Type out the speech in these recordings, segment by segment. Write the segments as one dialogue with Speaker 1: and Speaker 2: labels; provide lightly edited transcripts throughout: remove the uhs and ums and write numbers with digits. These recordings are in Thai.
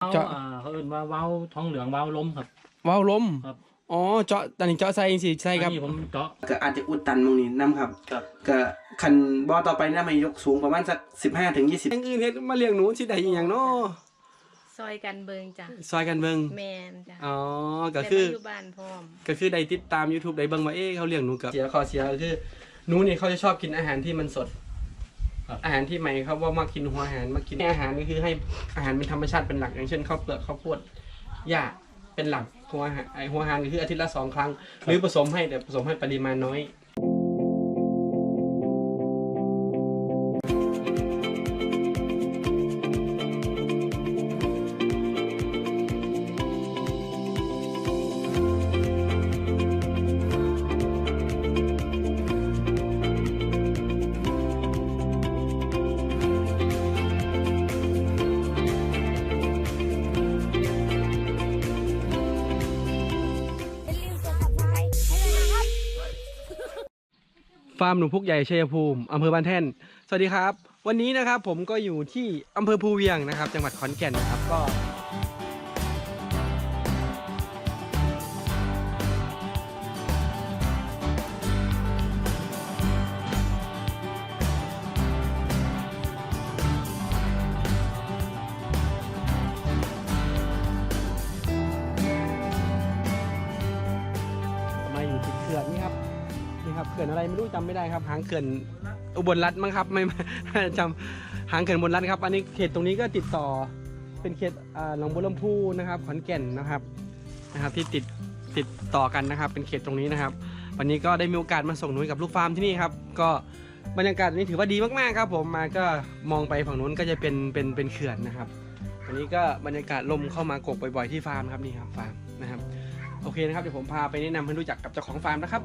Speaker 1: เจาะ
Speaker 2: เขาเอิ้นว่าเว้าท้องเหลืองเว้าลมครับ
Speaker 1: ว้าวลม
Speaker 2: ครับ
Speaker 1: อ๋อเจาะตอนนี้เจาะใส่สิใส่ครับ
Speaker 2: อันนี้ผมเจาะ
Speaker 1: ก็อาจจะอุดตันตรงนี้น้ำครับ
Speaker 2: ครับ
Speaker 1: ก็คันบ่อต่อไปน่าไม่ยกสูงประมาณสัก15 ถึง 20อย่างอื่นเฮ็ดมาเลี้ยงหนูสิได้อีหยังเนาะ
Speaker 3: ซอยกันเบิงจ้ะ
Speaker 1: ซอยกันเบิ่ง
Speaker 3: แมนจ้ะ
Speaker 1: อ๋อก็คือ
Speaker 3: แต่ว่าอยู่บ้านพร้อม
Speaker 1: ก็คือได้ติดตาม YouTube ได้เบิ่งว่าเขาเลี้ยงหนูกับเสียข้อเสียก็คือหนูนี่เขาจะชอบกินอาหารที่มันสด อาหารที่ใหม่เขาว่ามากินหัวอาหารมากินอาหารก็คือให้อาหารเป็นธรรมชาติเป็นหลักอย่างเช่นข้าวเปลือกข้าวโพดหญ้าเป็นหลักหัวอาหารหัวอาหารก็คืออาทิตย์ละ2 ครั้งหรือผสมให้แต่ผสมให้ปริมาณน้อยฟาร์มหนูพุกใหญ่ชัยภูมิอำเภอบ้านแท่นสวัสดีครับวันนี้นะครับผมก็อยู่ที่อำเภอภูเวียงนะครับจังหวัดขอนแก่นนะครับก็มาอยู่ติดเขื่อนนี่ครับนี่ครับเขื่อนอะไรไม่รู้จำไม่ได้ครับหางเขื่อนอุบลรัฐมั้งครับไม่ จำหางเขื่อนอุบลรัฐครับอันนี้เขตตรงนี้ก็ติดต่อเป็นเขตหนองบัวลำพูนะครับขอนแก่นนะครับที่ติดต่อกันนะครับเป็นเขตตรงนี้นะครับวันนี้ก็ได้มีโอกาสมาส่งหนูกับลูกฟาร์มที่นี่ครับก็บรรยากาศนี้ถือว่าดีมากๆครับผมมาก็มองไปฝั่งนู้นก็จะเป็นเขื่อนนะครับวันนี้ก็บรรยากาศลมเข้ามากกบ่อยๆที่ฟาร์มครับนี่ครับฟาร์มนะครับโอเคนะครับเดี๋ยวผมพาไปแนะนำให้รู้จักกับเจ้าของฟาร์มนะครับ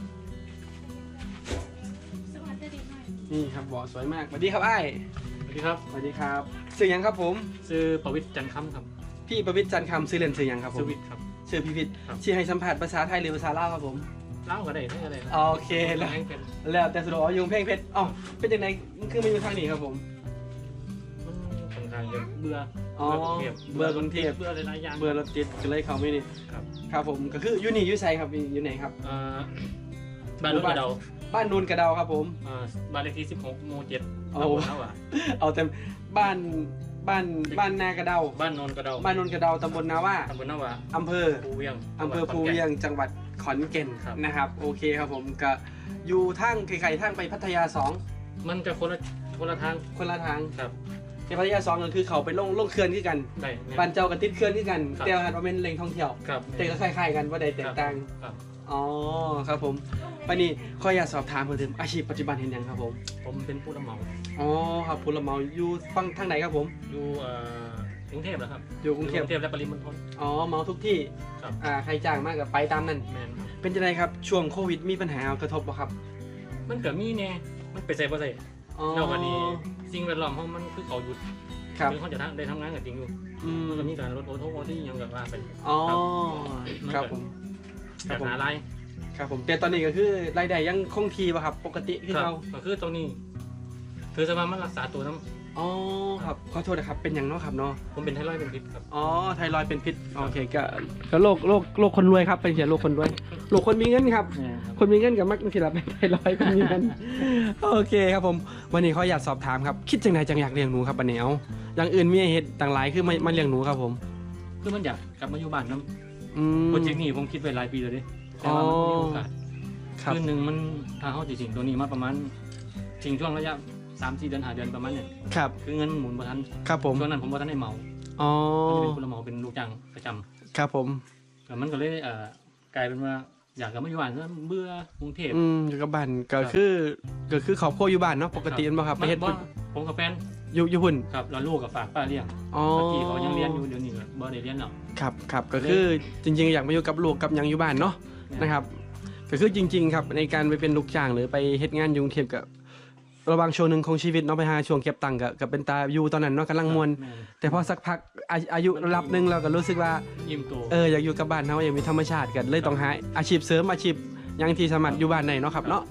Speaker 1: นี่ครับบ่อสวยมากสวัสดีครับไอ้
Speaker 2: สวัสดีครับ
Speaker 1: สวัสดีครับชื่อยังครับผม
Speaker 2: ชื่อประวิตรจันทร์คำครับ
Speaker 1: พี่ประวิตรจันทร์คำชื่อเล่นชื่อยังครับผม
Speaker 2: ชื่อวิทย์ครับ
Speaker 1: ชื่อพี่วิทย์
Speaker 2: ครับ
Speaker 1: ชื่อให้สัมผัสภาษาไทยหรือภาษาลาวครับผม
Speaker 2: เล่าก็ได้ไม่อะไรนะ
Speaker 1: โอเคแล้ว
Speaker 2: ให้เป็น
Speaker 1: แล้วแต่สะดวกยุงเพ่งเพชรอ๋อเป็นยังไงคือมาอยู่ทางนี้ครับผม
Speaker 2: มันค่อนข้างจะเบื่อ
Speaker 1: อ๋อ
Speaker 2: เบื่อกรุงเทพ
Speaker 1: เบื่อกรุงเทพ
Speaker 2: เบื่อหลายๆอย่าง
Speaker 1: เบอร์รถติดก็เลยเขาไม่นี่
Speaker 2: ครับ
Speaker 1: ครับผมก็คืออยู่นี่อยู่ไซครับอยู่ไหนครับ
Speaker 2: บ้านรถกระเดา
Speaker 1: บ้านนูนกระเดาครับผม
Speaker 2: บ้านเลขที่16หมู่7
Speaker 1: โอ้
Speaker 2: ตำบลนาวะ
Speaker 1: เอาแต่บ้านนากระเดา
Speaker 2: บ้านโนนกระเดา
Speaker 1: บ้านนูนกระเดาตำบลนาว่า
Speaker 2: ตำบลนาวะ
Speaker 1: อำเภอ
Speaker 2: ภูเวียง
Speaker 1: ภูเวียงจังหวัดขอนแก่น
Speaker 2: ครับ
Speaker 1: นะครับโอเคครับผมก็อยู่ทางไกลๆทางไปพัทยา
Speaker 2: มันจะคนละทาง
Speaker 1: 2คนละทาง
Speaker 2: ครับ
Speaker 1: ในพัทยา2ก็คือเขาไปลงเขื่อนที่กัน
Speaker 2: ได้
Speaker 1: บ้านเจ้ากับติดเขื่อนที่กัน
Speaker 2: ครับ
Speaker 1: แต่ว่าเป็นแหล่งท่องเที่ยว
Speaker 2: ครับ
Speaker 1: แต่ก็คล้ายๆกันว่าใดแตกต่าง
Speaker 2: ครับ
Speaker 1: อ๋อครับผมวันนี้ขออยากสอบถามเพิ่มเติมอาชีพปัจจุบันเห็นยังครับผม
Speaker 2: ผมเป็นผู้รับเหมา
Speaker 1: อ๋อครับผู้รับเหมาอยู่ฝั่งทางไหนครับผม
Speaker 2: อยู่กรุงเทพเหรอครับ
Speaker 1: อยู่กรุงเทพ
Speaker 2: และปริมณฑล
Speaker 1: อ๋อเหมาทุกที่
Speaker 2: ครับ
Speaker 1: ใครจ้างมากกับไปตามนั้น
Speaker 2: แมนครับ
Speaker 1: เป็นยังไงครับช่วงโควิดมีปัญหากระทบบ่ครับ
Speaker 2: มันเกิดมีเนี่ยมันไปใส่บ่ใส่
Speaker 1: อ๋อ
Speaker 2: แล้ววันนี้สิ่งแวดล้อมของมันคือเขาหยุด
Speaker 1: ครับ
Speaker 2: คือเขาจะได้ทำงานกับจริงอยู่
Speaker 1: อืม
Speaker 2: มันก็มีการลดโอโทที่ยังแบบว่าเป็น
Speaker 1: อ๋อค
Speaker 2: ครั
Speaker 1: รับบ ผม
Speaker 2: จากหาไราย
Speaker 1: ครับผมแต่ตอนนี้ก็คือรายได้ยังคงที่ป่ะครับปกติคือ
Speaker 2: ครับ
Speaker 1: เรา
Speaker 2: ก็คือตรงนี้คือสมามันรักษาตัวน้
Speaker 1: อ๋อครับขอโทษนะครับเป็นอย่างเนาะครับเนาะ
Speaker 2: ำผมเป็นไทรอยด์เป็นพิษครับ
Speaker 1: อ๋อไทรอยด์เป็นพิษโอเคก็โรคคนรวยครับเป็นเสียโรคคนรวยโรคคนมีเงินครับ คนมีเงินกับมักสิละเป็นไทรอยด์คนมีเงินโอเคครับผมวันนี้เขาอยากสอบถามครับคิดจังไหนจังอยากเลี้ยงหนูครับวันนี้เอาอย่างอื่นมีเหตุต่างหลายคือมาเลี้ยงหนูครับผม
Speaker 2: คือมันอยากกลับมาอยู่บ้านน้
Speaker 1: อืม
Speaker 2: ำโปรเจกต์นี้ผมคิดไว้หลายปีเลยดิแต่ว่ามันไม่มีโอกาส
Speaker 1: ครับ
Speaker 2: คือหนึ่งมันทางเขาจริงๆตัวนี้มาประมาณจริงช่วงระยะ3-4 เดือน5 เดือนประมาณเนี่ย
Speaker 1: ครับ
Speaker 2: คือเงินหมุนประทัน
Speaker 1: ครับผม
Speaker 2: ช่วงนั้นผมว่าท่านได้เหมา
Speaker 1: อ๋อ
Speaker 2: ก็จะเป็นผู้รับเหมาเป็นลูกจ้างประจำ
Speaker 1: ครับผม
Speaker 2: แต่มันก็เลยกลายเป็นว่าอยากกลับมาอยู่บ้านซะเบื่อกรุงเทพ
Speaker 1: อยู่กับบ้านก็คือครอบครัวอยู่บ้านเนาะปกติมั้งครับไปเฮ็ด
Speaker 2: บ่ผมกับแฟน
Speaker 1: อยู่หุ่น
Speaker 2: ครับแล้วลูกกับฝากป้าเลี้ยง
Speaker 1: อ๋อ
Speaker 2: เมื่อกี้เขายังเรียนอยู่เดี๋ยวนี้ก็บ่ได้เรียนแล้ว
Speaker 1: ครับก็คือจริงๆอยากมาอยู่กับลูกกับหยังอยู่บ้านเนาะนะครับก็คือจริงๆครับในการไปเป็นลูกจ้างหรือไปเฮ็ดงานอยู่กรุงเทพกับระหว่างช่วงหนึ่งของชีวิตเนาะไปหาช่วงเก็บตังค์กับเป็นตาอยู่ตอนนั้นเนาะกำลังมวน
Speaker 2: แม่น
Speaker 1: แต่พอสักพักอายุระดับหนึงเราก็รู้สึกว่า
Speaker 2: อิ่มโต
Speaker 1: อยากอยู่กับบ้านเฮาอยากมีธรรมชาติกันเลยต้องหาอาชีพเสริมอาชีพหยังที่สามารถอยู่บ้านได้เนาะครับเนาะ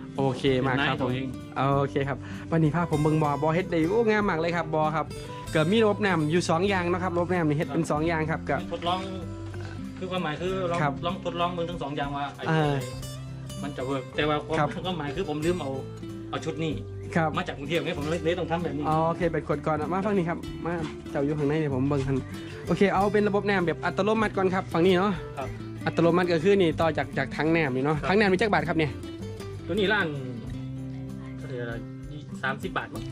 Speaker 1: โอเคมากครับ
Speaker 2: เป็นนายตัวเอง
Speaker 1: โอเคครับวันนี้ภาพผมเบิ่งบอเฮ็ดได้โอ้งามมากเลยครับบอครับเกิดมีระบบน้ำอยู่2อย่างนะครับระบบน้ำนี่เฮ็ดเป็น2อย่างครับกับ
Speaker 2: ทดลองคือความหมายคือลอง
Speaker 1: ครับ
Speaker 2: ลองทดลองเบิ่งทั้งสองอย่างว่าไอ้
Speaker 1: อ่า
Speaker 2: มันจะเวิร์กแต่ว่าความ
Speaker 1: ครับ
Speaker 2: ความหมายคือผมลืมเอาชุดนี้
Speaker 1: ครับ
Speaker 2: มาจากกรุงเทพไงผมเลยต้องทำแบบนี้
Speaker 1: โอเคเป็นขวดก่อนมาฝั่งนี้ครับมาเจ้าอยู่ข้างในเดี๋ยวผมเบิ่งทันโอเคเอาเป็นระบบน้ำแบบอัตโนมัติก่อนครับฝั่งนี้เนาะ
Speaker 2: ครับ
Speaker 1: อัตโนมัติก็คือนี่ต่อจากถังน้ำนี่เนาะ
Speaker 2: ครับ
Speaker 1: ถังน้ำมีจักบาทครับเนี่ย
Speaker 2: ตัวนี้ร้าน30 บาทมั้ง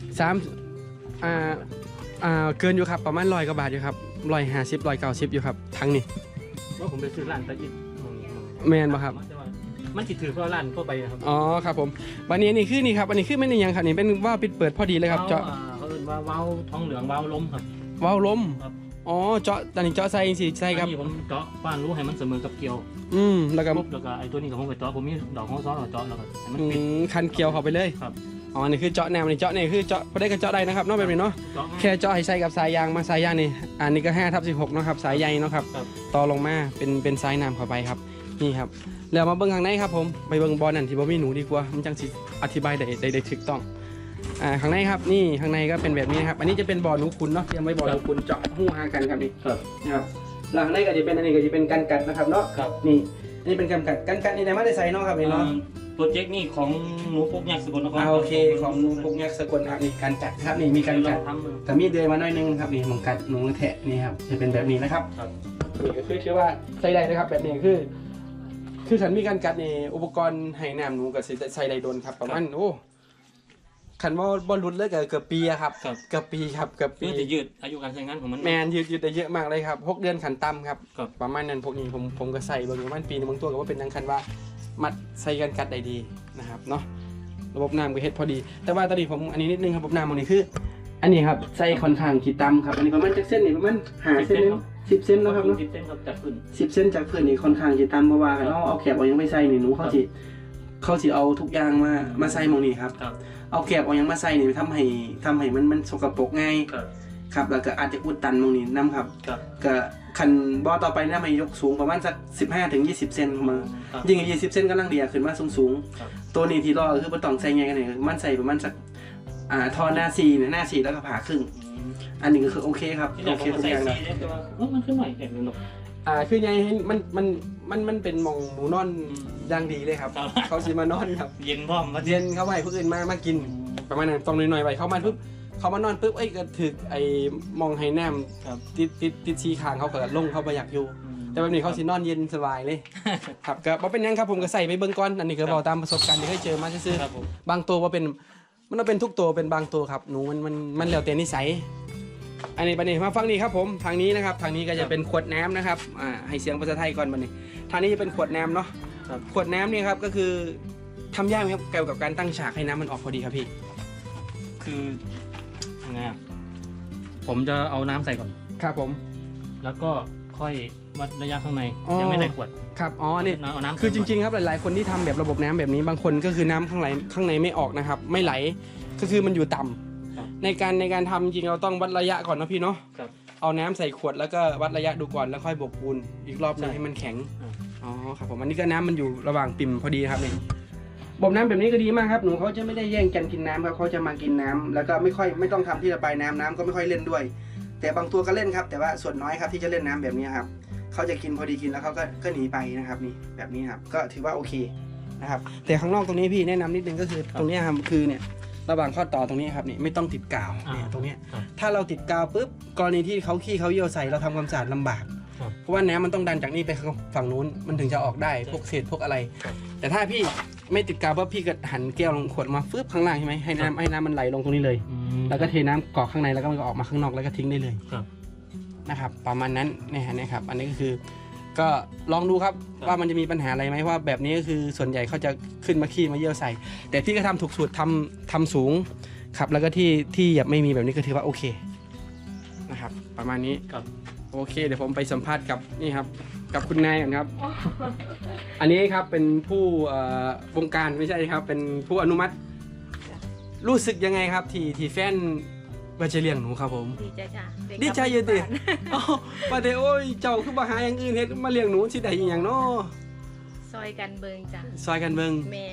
Speaker 1: 3เกินอยู่ครับประมาณ100 กว่าบาทอยู่ครับ150 190อยู่ครับถังนี่
Speaker 2: ว่าผมไปซื้อร้านตะอิด
Speaker 1: แมนบ่ครับ
Speaker 2: แต่ว่ามันติดถือเพราะร้านทั่วไปนะครับ
Speaker 1: อ๋อครับผมวันนี้นี่คือนี่ครับอันนี้คือไม่ได้ยังครับนี่เป็นว่าวปิดเปิดพอดีเลยครับเจาะ
Speaker 2: เขาเรียกว่าว้าวท้องเหลืองว้าวล้มครับ
Speaker 1: ว่าวลม
Speaker 2: ครับ
Speaker 1: อ๋อเจาะตอนนี้เจาะใส่สิใส่ครับ
Speaker 2: อันนี้ผมเจาะป้านรู้ให้มันเสมอกับเกลียว
Speaker 1: แล้วก็
Speaker 2: ปุ๊บแล้วก็ไอ้ตัวนี้กับผมก็เจาะผมมีดอกของซ้อนกับเจาะแล้วก็ให้มัน
Speaker 1: อื
Speaker 2: ปิด
Speaker 1: มคันเกี่ยวเข้าไปเลย
Speaker 2: ครับ
Speaker 1: อ๋อนี่คือเจาะแนวนี่เจาะนี่คือเจาะพอได้ก็เจาะได้นะครับเนอกแบบนี้เนาะ
Speaker 2: เจาะ
Speaker 1: แค่เจาะให้ใส่กับสายยางมาสายยางนี่อันนี้ก็5/16เนาะครับสายใยเนาะครับ
Speaker 2: ครับ
Speaker 1: ต่อลงมาเป็นสายน้ำเข้าไปครับนี่ครับแล้วมาเบิ่งข้างในครับผมไปเบิ่งบอลนั่นที่บ่มีหนูดีกว่ามันจังสิอธิบายได้ถูกต้องข้างในครับนี่ข้างในก็เป็นแบบนี้ครับอันนี้จะเป็นบ่อหนูขุนเนาะเตรียมไว้บ่อหนูขุนเจาะหูหากันครับนี่
Speaker 2: ครับ
Speaker 1: นะครับหลังในก็จะเป็นอันนี้ก็จะเป็นกันกัดนะครับเนาะ
Speaker 2: ครับ
Speaker 1: นี่นี่เป็นกันกัดนี่ได้มาได้ใส่เนาะครับนี่เนาะ
Speaker 2: โปรเจกต์นี่ของหนูพวกยักษ์สกลนคร
Speaker 1: โอเคของหนูพวกยักษ์สกลครับนี่กันกัดครับนี่มีกันกัด
Speaker 2: ทำมือ
Speaker 1: แต่มีเดือยมาหน่อยนึงครับนี่หมองกัดหนูแทะนี่ครับจะเป็นแบบนี้นะครับ
Speaker 2: ครับ
Speaker 1: นี่ก็คือชื่อว่าใส่ได้นะครับแบบนี้คือขันมีกันกัดนี่อุปกรณ์ให้น้ำหนูกับใส่ได้โดนครับประมาณโอ้ขันว่าบอลลุดเลยเกือบปีอะครับ
Speaker 2: ครับ
Speaker 1: เกือบปีครับเกือบปี
Speaker 2: เพื่อจะยืดอายุการใช้งานของมัน
Speaker 1: แมนยืดได้เยอะมากเลยครับ6 เดือนขันต่ำครับ
Speaker 2: ครับ
Speaker 1: ประมาณนั้นพวกนี้ผมก็ใส่เบางประมาณปีนึงบางตัวก็ว่าเป็นนังคันว่ามัดใส่กันกัดได้ดีนะครับเนาะระบบน้ำก็เฮ็ดพอดี แต่ว่าตอนนี้ผมอันนี้นิดนึงครับระบบน้ำตรงนี้คือ อันนี้ครับใส่ค่อนข้างขีดต่ำครับอันนี้ประมาณจากเส้นนี่ประมาณ5 เส้นนึง10 เส้นนะครับเนาะ
Speaker 2: 10 เส้นครับจากขึ้น
Speaker 1: 10 เส้นจากพื้นนี่ค่อนข้างขีดต่ำเพราะว่าเอาแคบเอายังไม่ใส่นี่หนูเขาสิเอาทุกอย่างมาใส่หมองนี้ครับ
Speaker 2: ครับ
Speaker 1: เอาแคบเอายังมาใส่นี่ทำให้มันสกปรกง่าย
Speaker 2: ครับ
Speaker 1: ครับแล้วก็อาจจะอุดตันตรงนี้น้ำครับ
Speaker 2: ครับ
Speaker 1: ก็คันบ่อต่อไปนะมันยกสูงประมาณสัก15-20 เซนมา
Speaker 2: ครับ
Speaker 1: ยิ่ง20 เซนกำลังเดียขึ้นมาสูง
Speaker 2: ครับ
Speaker 1: ตัวนี้ที่รอก็คือบ่ต้องใส่ไงกันเนี่ยมันใส่ประมาณสักท่อหน้า4เนี่ยหน้า4แล้วก็ผ่าครึ่ง อันนี้ก็คือโอเคครับ
Speaker 2: ที่ไหน
Speaker 1: โอ
Speaker 2: ผ
Speaker 1: เค
Speaker 2: ม
Speaker 1: ทุ
Speaker 2: ก็
Speaker 1: ก
Speaker 2: ใส่
Speaker 1: อย่าง
Speaker 2: สี
Speaker 1: นะ
Speaker 2: เนี่ยแต่ว่ามันขึ้นใหม่เห็นหรอก
Speaker 1: คือไงให้มันเป็นหมองหนูนอนอย่างดีเลยครับ
Speaker 2: ครับ
Speaker 1: เขาสิมานอนครับ
Speaker 2: เย็นพร้อมมา
Speaker 1: เย็นเข้าไปผู้อื่นมากินประมาณนั้นต้องหน่อยๆไปเข้ามาปุ๊บเขามานอนปุ๊บเอ้ยก็ถึกไอ้มองไห้แนม
Speaker 2: ครับ
Speaker 1: ติดชีคางเขาก็ลงเขาไปอยากอยู่ แต่แบบนี้เขาสินอนเย็นสบายเลย ครับก็บ่เป็นหยังครับผมก็ใส่ไปเบิ่งก่อนอันนี้ก็บอกตามประสบการณ์ที่เคยเจอมาซื่อ
Speaker 2: ครับผม
Speaker 1: ๆบางตัวว่าเป็นมันเป็นทุกตัวเป็นบางตัวครับหนูมันแล้วแต่นิสัยอันนี้บัดนี้มาฟังนี้ครับผมทางนี้นะครับทางนี้ก็จะเป็นขวดน้ำนะครับให้เสียงภาษาไทยก่อนบัดนี้ทางนี้จะเป็นขวดน้ำเนาะ
Speaker 2: ครับ
Speaker 1: ขวดน้ำเนี่ยครับก็คือทำยากไหมครับเกี่ยวกับการตั้งฉากให้น้ำมันออกพอดีครับพี่
Speaker 2: คือยังไงอะผมจะเอาน้ำใส่ก่อน
Speaker 1: ครับผม
Speaker 2: แล้วก็ค่อยวัดระยะข้างใน
Speaker 1: อ๋อ
Speaker 2: ยังไม่ใส่ขวด
Speaker 1: ครับอ๋อนี่
Speaker 2: เอาน้ำ
Speaker 1: คือจริงๆครับหลายๆคนที่ทำแบบระบบน้ำแบบนี้บางคนก็คือน้ำข้างในไม่ออกนะครับ ไม่ไหลก็คือมันอยู่ต่ำในการทำจริงเราต้องวัดระยะก่อนนะพี่เนาะ
Speaker 2: ครับ
Speaker 1: เอาน้ำใส่ขวดแล้วก็วัดระยะดูก่อนแล้วค่อยบวกปูนอีกรอบหนึง
Speaker 2: ใช่
Speaker 1: ให้มันแข็ง
Speaker 2: อ่า
Speaker 1: อ๋อครับผมอันนี้ก็น้ำมันอยู่ระหว่างปิ่มพอดีครับนี่บ่มน้ำแบบนี้ก็ดีมากครับหนูเขาจะไม่ได้แย่งกันกินน้ำครับเขาจะมากินน้ำแล้วก็ไม่ต้องทำที่ระบายน้ำก็ไม่ค่อยเล่นด้วย แต่บางตัวก็เล่นครับ แต่ว่าส่วนน้อยครับที่จะเล่นน้ำแบบนี้ครับเขาจะกินพอดีกินแล้วเขาก็หนีไปนะครับนี่แบบนี้ครับก็ถือว่าโอเคนะครับแต่ข้างนอกตรงนี้พี่แนะนำนิดนึงก็คือตรงนี้ครับคือเนี่ยระหว่างข้อต่อตรงนี้ครับนี่ไม่ต้องติดกาวเนี่ยตรงเนี้ย
Speaker 2: ครับ
Speaker 1: ถ้าเราติดกาวปุ๊บกรณีที่เขาขี้เขาเยี่ยวใส่เราทำความสะอาดลำบาก
Speaker 2: ครับ
Speaker 1: เพราะว่าน้ำมันต้องดันจากนี่ไปฝั่งนู้นมันถึงจะออกได้พวกเศษพวกอะไร
Speaker 2: ครับ
Speaker 1: แต่ถ้าพี่ไม่ติดกาวปุ๊บพี่ก็หันแก้วลงขวดมาฟึบข้างล่างใช่ไหมให้น้ำมันไหลลงตรงนี้เลย แล้วก็เทน้ำกรอกข้างในแล้วก็มันก็ออกมาข้างนอกแล้วก็ทิ้งได้เลย
Speaker 2: ครับ
Speaker 1: นะครับประมาณนั้นนะครับอันนี้ก็คือก็ลองดูครับ
Speaker 2: ครับ
Speaker 1: ว่ามันจะมีปัญหาอะไรไหมว่าแบบนี้ก็คือส่วนใหญ่เขาจะขึ้นมาขี้มาเยี่ยวใส่ แต่พี่ก็ทำถูกสูตรทำสูงครับแล้วก็ที่อย่าไม่มีแบบนี้ก็ถือว่าโอเคนะครับประมาณนี้
Speaker 2: ครับ
Speaker 1: โอเคเดี๋ยวผมไปสัมภาษณ์กับนี่ครับกับคุณนายก่อนครับ อันนี้ครับเป็นผู้วงการไม่ใช่ครับเป็นผู้อนุมัติ รู้สึกยังไงครับที่แฟนว่าจะเลี้ยงหนูครับผม
Speaker 3: ดีใจจ้ะไกลับ
Speaker 1: ดีใจอยู่ติ
Speaker 3: บ้าน
Speaker 1: อ๋อว่าแต่โอ้ยเจ้าคือมาหาอย่างอื่นเฮ็ดมาเลี้ยงหนูสิได้อีหยังเนาะ
Speaker 3: ซอยกันเบิงจ้ะ
Speaker 1: ซอยกันเบิ่ง
Speaker 3: แมนจ้ะ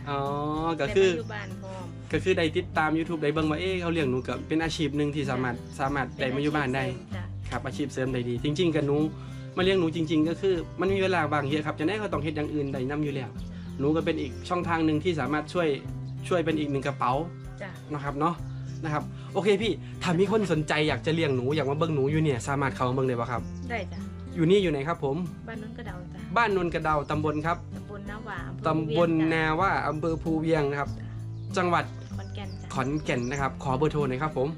Speaker 1: อ๋อก็คือ
Speaker 3: ได้มาอยู่บ้านพร้อม
Speaker 1: ก็คือได้ติดตาม YouTube ได้เบิ่งว่าเขาเลี้ยงหนูก็เป็นอาชีพหนึ่งที่สามารถได้มาอยู่บ้านได้
Speaker 3: จ้ะ
Speaker 1: ครับอาชีพเสริมได้ดี จริง ๆกับหนูมาเลี้ยงหนูจริง ๆ ก็คือมันมีเวลาบางเยอะครับจะได้ก็ต้องเฮ็ดอย่างอื่นได้นํอยู่แล้วหนูก็เป็นอีกช่องทางหนึ่งที่สามารถช่วยเป็นอีกหนึ่งกระเป๋า
Speaker 3: จ้ะ
Speaker 1: นะครับเนาะนะครับโอเคพี่ถ้ามีคนสนใจอยากจะเลี้ยงหนูอยากมาเบิ่งหนูอยู่เนี่ยสามารถเข้ามาเบิ่งได้ป่ะครับ
Speaker 3: ได้จ้ะ
Speaker 1: อยู่นี่อยู่ไหนครับผม
Speaker 3: บ้านนนกระเดาจ้ะ
Speaker 1: บ้านนนกระเดาตำบลครับ
Speaker 3: ตำบลนาหวาอำเภอ
Speaker 1: ตำบล
Speaker 3: เวียง
Speaker 1: นาว่าอำเภอภูเวียงนะครับจังหวัด
Speaker 3: ขอนแก่นจ้ะ
Speaker 1: ขอนแก่นนะครับขอเบอร์โทรหน่อยครับผม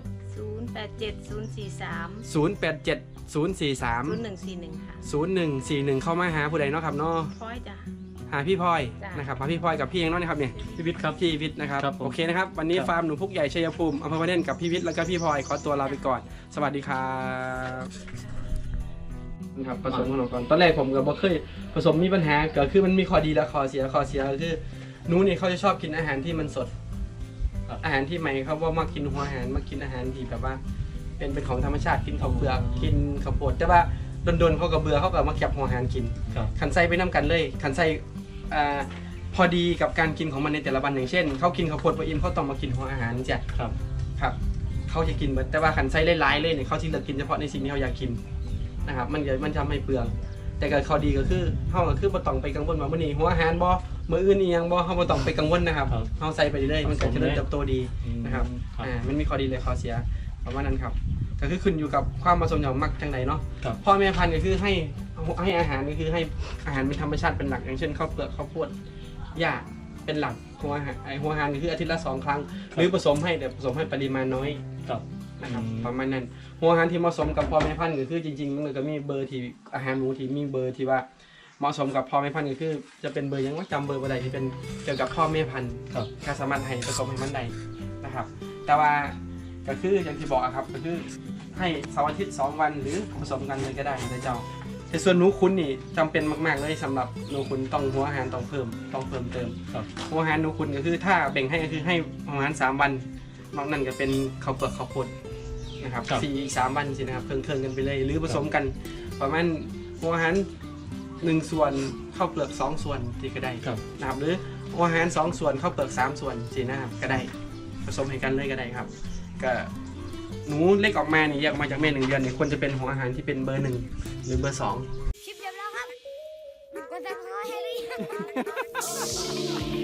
Speaker 3: 087043
Speaker 1: 087043
Speaker 3: 0141ค่ะ
Speaker 1: 0141เข้ามาหาผู้ใดเนาะครับเนาะ
Speaker 3: พอยจ้ะ
Speaker 1: หาพี่พลอย
Speaker 3: จ้ะ
Speaker 1: นะครับหาพี่พลอยกับพี่เองเนาะนะครับเนี่ย
Speaker 2: พี่วิทย์ครับ
Speaker 1: พี่วิทย์นะครับ
Speaker 2: ครับผม
Speaker 1: โอเคนะครับวันนี้
Speaker 2: ครับ
Speaker 1: ฟาร์มหนูพุกใหญ่ชัยภูมิอำเภอพระเนตรกับพี่วิทย์แล้วก็พี่พลอยขอตัวลาไปก่อน สวัสดีครับนะครับผสมขนมก่อนตอนแรกผมก็บ่เคยผสมมีปัญหาก็คือมันมีข้อดีและข้อเสียก็คือหนูนี่เขาจะชอบกินอาหารที่มันสด
Speaker 2: ครับ
Speaker 1: อาหารที่ใหม่เขาว่ามากินหัวอาหารมากินอาหารที่แบบว่า เป็นของธรรมชาติกินข้าวเปลือกกินข้าวโพดแต่ว่าโดนๆเขาก็เบื่อเขาก็มาเก็บหัวอาหารกิน
Speaker 2: ครับ
Speaker 1: ขันไส้ไปน้ำกันเลยขันไส้พอดีกับการกินของมันในแต่ละวันอย่างเช่นเขากินข้าวโพดพออิ่มเขาต้องมากินหัวอาหารจ้ะ
Speaker 2: ครับ
Speaker 1: ครับเขาจะกินหมดแต่ว่าขันไส้หลายๆเลยเนี่ยเขาจะเลือกกินเฉพาะในสิ่งที่เขาอยากกินนะครับมันทำให้เปลืองแต่ก็ข้อดีก็คือเขาก็คือบ่ต้องไปกังวลว่ามื้อนี้หัวอาหารบ่มื้ออื่นอีหยังบ่เขาบ่ต้องไปกังวลนะครับ
Speaker 2: ครับ
Speaker 1: เขาใส่ไปเรื่อยๆมันก็เจริญเติบโตดี นะครับ
Speaker 2: ครับ
Speaker 1: มันมีข้อดีเลยข้อเสียประมาณนั้นครับก็คือขึ้นอยู่กับความผสมอย่างมักทางไหนเนาะ
Speaker 2: ครับ
Speaker 1: พ่อแม่พันธุ์ก็คือให้อาหารก็คือให้อาหารเป็นธรรมชาติเป็นหลักอย่างเช่นข้าวเปลือกข้าวโพดหญ้าเป็นหลักหัวอาหารหัวอาหารก็คืออาทิตย์ละ2 ครั้งหรือผสมให้แต่ผสมให้ปริมาณน้อย
Speaker 2: ครับ
Speaker 1: นะครับประมาณนั้นหัวอาหารที่เหมาะสมกับพ่อแม่พันธุ์ก็คือจริงๆมันก็มีเบอร์ที่อาหารหมูที่มีเบอร์ที่ว่าเหมาะสมกับพ่อแม่พันธุ์ก็คือจะเป็นเบอร์ยังว่าจำเบอร์อะไรที่เป็นเกี่ยวกับพ่อแม่พันธุ์
Speaker 2: ครับ
Speaker 1: ก็สามารถให้ผสมให้มันได้นะครับ แต่ว่าก็คืออย่างที่บอกอะครับก็คือให้เสาร์อาทิตย์2 วันหรือผสมกันเลยก็ได้นะเจ้าแต่ส่วนหนูคุณนี่จำเป็นมากๆเลยสำหรับหนูคุณต้องหัวอาหารต้องเพิ่มเติม
Speaker 2: ครับ
Speaker 1: หัวอาหารหนูคุณก็คือถ้าแบ่งให้ก็คือให้ประมาณ3 วันนอกนั้นก็เป็นข้าวเปลือกข้าวโพดนะครับ
Speaker 2: ครับ
Speaker 1: อีก3 วันสินะครับเครื่องกันไปเลย หรือผสมกันประมาณหัวอาหาร1 ส่วนข้าวเปลือก2 ส่วนที่ก็ได้
Speaker 2: ครับ
Speaker 1: นะครับหรือหัวอาหาร2 ส่วนข้าวเปลือก3 ส่วนสินะครับก็ได้ผสมให้กันเลยก็ได้ครับก็หนูเล็กออกมาเนี่ยแยกออกมาจากแม่1 เดือนเนี่ยควรจะเป็นหัวอาหารที่เป็นเบอร์ 1 หรือเบอร์ 2
Speaker 4: คลิปจบแล้วครับกดติดตามให้หรือยัง